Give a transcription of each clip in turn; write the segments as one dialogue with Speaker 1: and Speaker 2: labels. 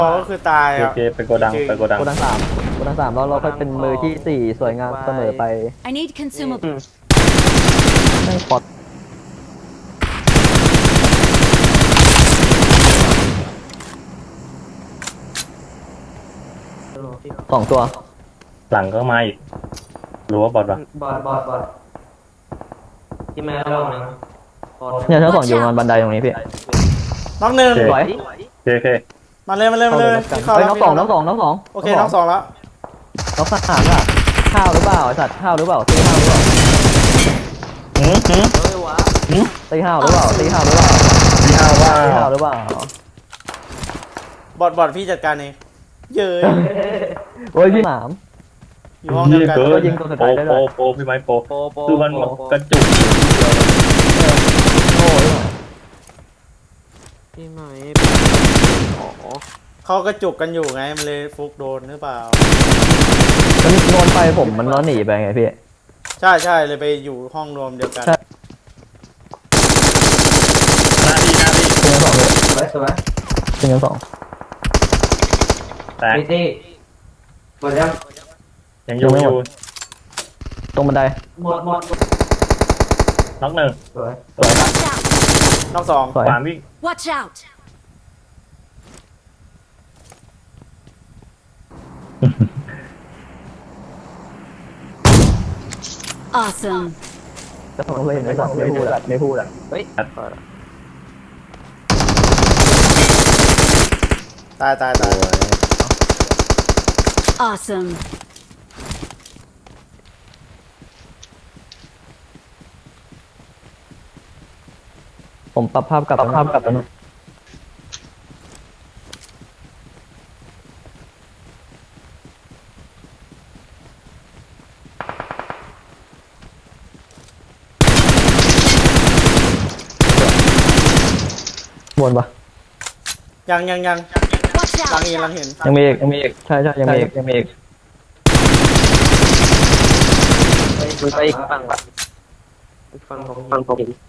Speaker 1: ก็คือตาย
Speaker 2: โอ
Speaker 1: อ่ะ
Speaker 2: เคไปโกดังไปโกดัง
Speaker 3: โกดังสามแล้วเราค่อยเป็นมือที่สี่สวยงามเสมอไป
Speaker 4: I need consumables.
Speaker 3: ไม่ปลอดสองตัว
Speaker 2: หลังก็มาอีกรู้ว่าบอดปะ
Speaker 5: บอดที่แม่ลองนะบอด
Speaker 3: เนี่ยชั้นสองอยู่บนบันไดตรงนี้พี่
Speaker 1: น้องหนึ่ง
Speaker 3: สวย
Speaker 2: โอเคโอเค
Speaker 1: มาเลยพี่เข้า
Speaker 3: เฮ้ย
Speaker 1: แล้ว
Speaker 3: น้องสองน้องสองน้องสอง
Speaker 1: โอเคน้องสองแล้ว
Speaker 3: น้องสามอ่ะข้าวหรือเปล่าไอสัตว์ข้าวหรือเปล่าตีข้าวหรือเปล่า
Speaker 5: เฮ้ยวะ
Speaker 3: ตีข้าวหรือเปล่าตีข้าวหรือเปล่า
Speaker 2: พี่ห้าว่า
Speaker 3: ตีข้าวหรือเปล่า
Speaker 1: บอดพี่จัดการเองเย้ย
Speaker 3: โอ้ยพี่หมาม
Speaker 1: อยู่ห้องเดียวกัน
Speaker 2: เกิ
Speaker 3: ก็
Speaker 2: น
Speaker 3: ยิงตัวสุด
Speaker 2: โป
Speaker 3: ท้ายได้ด้วย
Speaker 2: โปพี่ไม้โป
Speaker 5: โป
Speaker 2: คือมันกระจุก
Speaker 3: โอ้ย
Speaker 5: ที่ไหนอ๋อ
Speaker 1: เขากระจุกกันอยู่ไงมันเลยฟุกโดนหรือเปล่า
Speaker 3: มันโดนไปผมมันล้อหนีไปไงพี่
Speaker 1: ใช่เลยไปอยู่ห้องรวมเดียวกัน
Speaker 3: ใช่
Speaker 2: หน้าที่
Speaker 3: ยิงสองเลย
Speaker 5: สวย
Speaker 3: ยิงสอง
Speaker 2: แตก
Speaker 5: พี่ตี้หมดยัง
Speaker 2: ยังอยู่อยู่
Speaker 3: ตรงบันได
Speaker 5: หมด
Speaker 2: น็อกหนึ่ง
Speaker 5: สวย
Speaker 4: Watch out!
Speaker 1: น้องสอง
Speaker 3: สวย
Speaker 2: ขวาวิ่ง
Speaker 4: Watch out! Awesome.
Speaker 3: จะฟังเลยไม่พูดอ่ะไม่พูดอ่ะ
Speaker 5: เฮ้ย
Speaker 1: ตาย
Speaker 4: Awesome.
Speaker 3: ผมปรับภาพกลับแล้วนะบนปะ
Speaker 1: ยัง
Speaker 4: Watch
Speaker 1: หลัง
Speaker 4: out!
Speaker 1: เห็น
Speaker 3: ยังมีอีกใช่ยังมีอีก
Speaker 5: ไปอีกฝั่งผม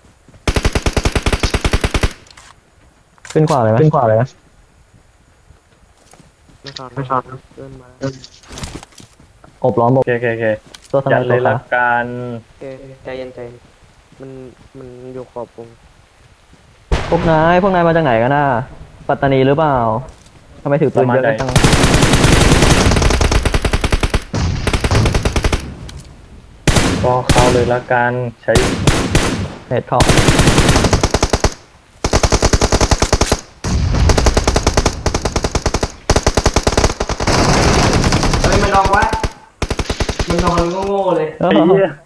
Speaker 3: ขึ้นขวาเลยไหมนะ
Speaker 5: ไม่ชอนเดินมา
Speaker 3: อบล้อม
Speaker 2: โอเคโอเคโอเค
Speaker 3: ตัวส
Speaker 2: ยั
Speaker 3: นาน ย
Speaker 2: เลย
Speaker 3: ตัว
Speaker 2: ละ
Speaker 3: ขา
Speaker 2: กัน
Speaker 5: โอเคใจเย็นมันอยู่ขอบวง
Speaker 3: พวกนายมาจากไหนกันน่ะปัตตานีหรือเปล่าทำไมถือปืนเยอะจัง
Speaker 2: ก็เข้าเลยละกันใช้
Speaker 3: เน็ตเข้า
Speaker 5: เฮ้ยมันนอนวะมันนอนโง่ๆเลย
Speaker 3: เออ
Speaker 2: ไอ้เหี้ย